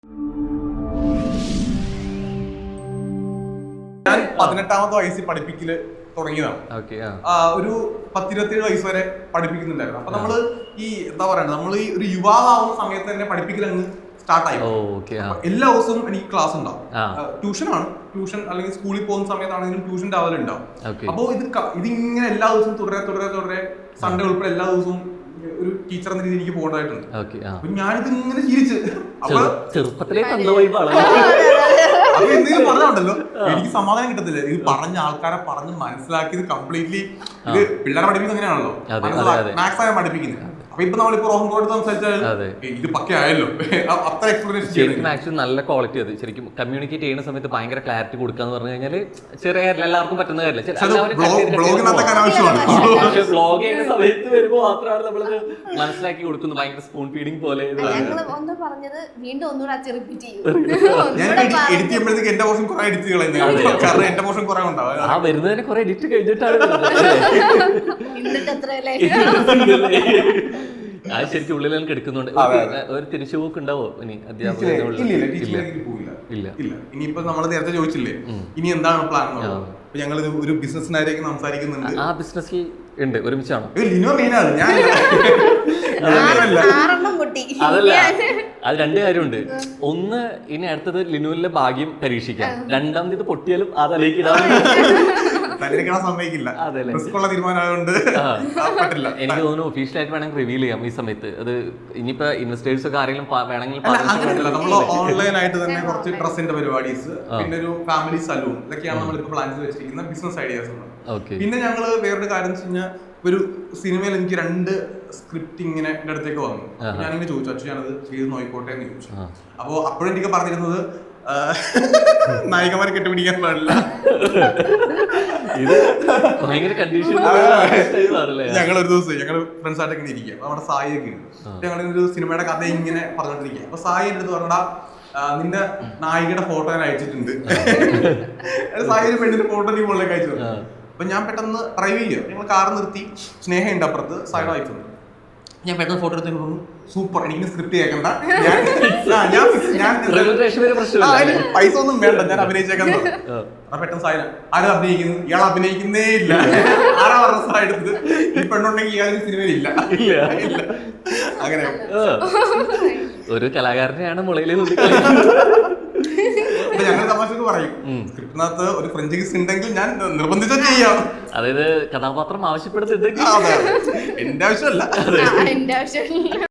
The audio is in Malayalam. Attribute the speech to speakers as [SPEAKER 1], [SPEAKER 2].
[SPEAKER 1] ഞാൻ 18ാമത്തെ വയസ്സിൽ പഠിപ്പിക്കല് തുടങ്ങിയതാണ്. ഒരു 10-27 വയസ്സ് വരെ പഠിപ്പിക്കുന്നുണ്ടായിരുന്നു. അപ്പൊ നമ്മള് ഈ എന്താ പറയണ്ടത്, നമ്മൾ ഈ ഒരു യുവാവാവുന്ന സമയത്ത് തന്നെ പഠിപ്പിക്കൽ അങ്ങ് സ്റ്റാർട്ടായി. എല്ലാ ദിവസവും എനിക്ക് ക്ലാസ് ഉണ്ടാവും. ട്യൂഷനാണ്, ട്യൂഷൻ അല്ലെങ്കിൽ സ്കൂളിൽ പോകുന്ന സമയത്താണെങ്കിലും ട്യൂഷൻ രാവിലെ ഉണ്ടാവും. അപ്പൊ ഇതിങ്ങനെ എല്ലാ ദിവസവും തുടരെ സൺഡേ ഉൾപ്പെടെ എല്ലാ ദിവസവും ഒരു ടീച്ചർ എന്ന രീതിയിൽ എനിക്ക് പോകേണ്ടതായിട്ടുണ്ട്. അപ്പൊ ഞാനിത് ഇങ്ങനെ ശീലിച്ച് അപ്പൊ എന്തെങ്കിലും പറഞ്ഞുണ്ടല്ലോ എനിക്ക് സമാധാനം കിട്ടത്തില്ല. ഇത് പറഞ്ഞ ആൾക്കാരെ പറഞ്ഞ് മനസ്സിലാക്കിയത് കംപ്ലീറ്റ്ലി ഇത് പിള്ളേരെ പഠിപ്പിക്കുന്നത് അങ്ങനെയാണല്ലോ, മാത്സ് ആയ പഠിപ്പിക്കുന്നത്. അപ്പൊ ഇപ്പൊ നമ്മളിപ്പോ റോഹൻ കോട്ട് സംസാരിച്ചാൽ ഇത് പക്കയായല്ലോ, അത്ര എക്സ്പ്ലനേഷൻ
[SPEAKER 2] നല്ല ക്വാളിറ്റി. അത് ശരിക്കും കമ്മ്യൂണിക്കേറ്റ് ചെയ്യുന്ന സമയത്ത് ഭയങ്കര ക്ലാരിറ്റി കൊടുക്കാന്ന് പറഞ്ഞു കഴിഞ്ഞാൽ ചെറിയ കാര്യമില്ല, എല്ലാവർക്കും പറ്റുന്ന കാര്യമില്ല. വ്ലോഗ് ചെയ്യുന്ന സമയത്ത് വരുമ്പോൾ മാത്രമാണ് നമ്മളത് മനസ്സിലാക്കി കൊടുക്കുന്നത്. ഭയങ്കര സ്പൂൺ ഫീഡിങ് പോലെ. വരുന്നതിന് കുറെ എഡിറ്റ് കഴിഞ്ഞിട്ടാണ് അത് ശരിക്കും ഉള്ളിൽ നമുക്ക് എടുക്കുന്നുണ്ട്. ഒരു തിരിച്ചുപോക്ക് ഉണ്ടാവോ ഇനി
[SPEAKER 1] ഇല്ല. ഇനിയിപ്പോ നമ്മൾ നേരത്തെ ചോദിച്ചില്ലേ ഇനി എന്താണ് പ്ലാൻ? ഞങ്ങൾ ഒരു ബിസിനസ്സിനായിരിക്കും സംസാരിക്കുന്നുണ്ട്.
[SPEAKER 2] ആ ബിസിനസ്സിൽ ഉണ്ട്, ഒരുമിച്ചാണോ? അതല്ല, അത് രണ്ട് കാര്യമുണ്ട്. ഒന്ന്, ഇനി അടുത്തത് ലിനുവിലെ ഭാഗ്യം പരീക്ഷിക്കാം. രണ്ടാമത് ഇത് പൊട്ടിയാലും അതലേക്ക് ഇടാൻ
[SPEAKER 1] സമ്മതിക്കില്ല.
[SPEAKER 2] എനിക്ക് തോന്നുന്നു ഒഫീഷ്യലായിട്ട് വേണമെങ്കിൽ റിവീൽ ചെയ്യാം ഈ സമയത്ത്. അത് ഇനിയിപ്പോ ഇൻവെസ്റ്റേഴ്സ് ഒക്കെ ആരെങ്കിലും വേണമെങ്കിൽ
[SPEAKER 1] നമ്മൾ ഓൺലൈൻ ആയിട്ട് തന്നെ കുറച്ച് ഡ്രസ്സിന്റെ പരിപാടീസ്, പിന്നെ ഒരു ഫാമിലി സലൂൺ, ഇതൊക്കെയാണ് നമ്മളിപ്പോ പ്ലാൻ ചെയ്ത് വെച്ചിരിക്കുന്ന ബിസിനസ് ഐഡിയാസ്. പിന്നെ ഞങ്ങള് വേറൊരു കാര്യം വെച്ച് കഴിഞ്ഞാൽ, ഒരു സിനിമയിൽ എനിക്ക് 2 സ്ക്രിപ്റ്റ് ഇങ്ങനെ എന്റെ അടുത്തേക്ക് വന്നു. ഞാനിങ്ങനെ ചോദിച്ചു, അച്ഛൻ ഞാനത് ചെയ്ത് നോയിക്കോട്ടെ എന്ന് ചോദിച്ചു. അപ്പോ അപ്പോഴും എനിക്ക് പറഞ്ഞിരുന്നത് നായികമാരെ കെട്ടുപിടിക്കാൻ പാടില്ല. ഞങ്ങളൊരു ദിവസം ഞങ്ങള് ഫ്രണ്ട്സ് ആയിട്ട് ഇങ്ങനെ ഇരിക്കുക, നമ്മുടെ സായി ഒക്കെ ഉണ്ട്. ഞങ്ങളൊരു സിനിമയുടെ കഥ ഇങ്ങനെ പറഞ്ഞോണ്ടിരിക്കുക. അപ്പൊ സായി എന്റെ അടുത്ത് പറഞ്ഞാ, നിന്റെ നായികയുടെ ഫോട്ടോ ഞാൻ അയച്ചിട്ടുണ്ട്. സായിയുടെ പെണ്ണിന്റെ ഫോട്ടോ നീ മുകളിലേക്ക് അയച്ചു. അപ്പൊ ഞാൻ പെട്ടെന്ന് ഡ്രൈവ് ചെയ്യുക, ഞങ്ങൾ കാർ നിർത്തി, സ്നേഹയുണ്ട് അപ്പുറത്ത്, സായിയുടെ വൈഫുണ്ട്. ഞാൻ പെട്ടെന്ന് ഫോട്ടോ എടുത്ത് തോന്നുന്നു, സൂപ്പർ, എനിക്ക് സ്ക്രിപ്റ്റ് കേൾക്കണ്ട, പൈസ ഒന്നും വേണ്ട, ഞാൻ അഭിനയിച്ചേക്കാൻ. പെട്ടെന്ന് സായി ആരും അഭിനയിക്കുന്നു, ഇയാൾ അഭിനയിക്കുന്നേ ഇല്ല. ആരാ പറഞ്ഞ സായി എടുത്തത്? ഈ പെണ്ണുണ്ടെങ്കിൽ ഇയാൾ സിനിമയിൽ ഇല്ല. അങ്ങനെ
[SPEAKER 2] ഒരു കലാകാരനെയാണ് മുളയിലെ.
[SPEAKER 1] ഞങ്ങൾ തമാശക്ക് പറയും, സ്ക്രിപ്റ്റിനകത്ത് ഒരു ഫ്രഞ്ച് കിസ് ഉണ്ടെങ്കിൽ ഞാൻ നിർബന്ധിച്ച ചെയ്യാം.
[SPEAKER 2] അതായത് കഥാപാത്രം ആവശ്യപ്പെടുന്നുണ്ടെങ്കിൽ
[SPEAKER 1] എന്റെ ആവശ്യമല്ല.